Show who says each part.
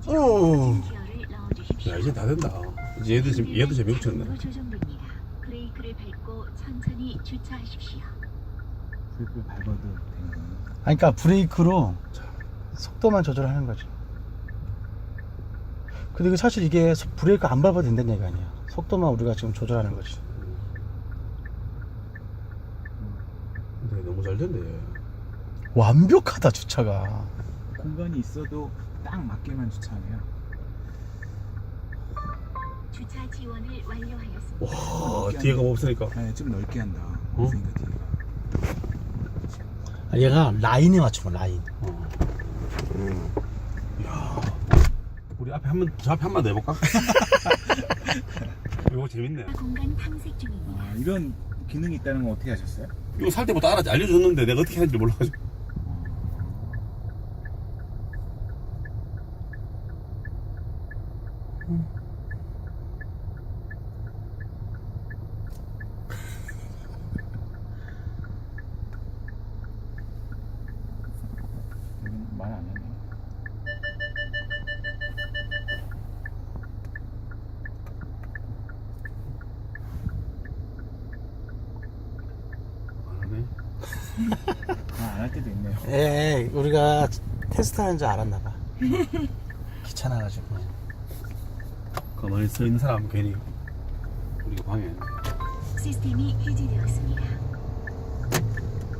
Speaker 1: 오.
Speaker 2: 야, 이제 다 된다. 이제 얘도 재미없쳤네.
Speaker 3: 브레이크를 밟고 천천히 주차하십시오.
Speaker 1: 브레이크를 밟아도 되는.
Speaker 4: 아니, 그러니까 브레이크로 속도만 조절하는 거지. 근데 이거 사실 이게 브레이크 안 밟아도 된다는 얘기 아니야. 속도만 우리가 지금 조절하는 거지.
Speaker 2: 근데 너무 잘 됐네.
Speaker 4: 완벽하다, 주차가.
Speaker 1: 공간이 있어도 딱 맞게만 주차하네요.
Speaker 3: 주차 지원을 완료하였습니다.
Speaker 2: 와, 뒤에가 없으니까.
Speaker 1: 네, 좀 넓게 한다.
Speaker 2: 어?
Speaker 1: 없으니까 뒤에가.
Speaker 4: 아, 얘가 라인에 맞추면 라인.
Speaker 2: 야, 우리 앞에 저 앞에 한 번 더 해볼까? 이거 재밌네.
Speaker 3: 공간 탐색 중입니다.
Speaker 1: 아, 이런 기능이 있다는 건 어떻게 하셨어요?
Speaker 2: 이거 살 때부터 알려줬는데 내가 어떻게 하는지 몰라가지고.
Speaker 1: 말 안 했네.
Speaker 2: 안 하네.
Speaker 1: 안 할 때도 있네요.
Speaker 4: 에이, 우리가 테스트하는 줄 알았나봐. 귀찮아가지고.
Speaker 2: 가만히 서 있는 사람은 괜히 우리가 방해했네.
Speaker 3: 시스템이 해제되었습니다.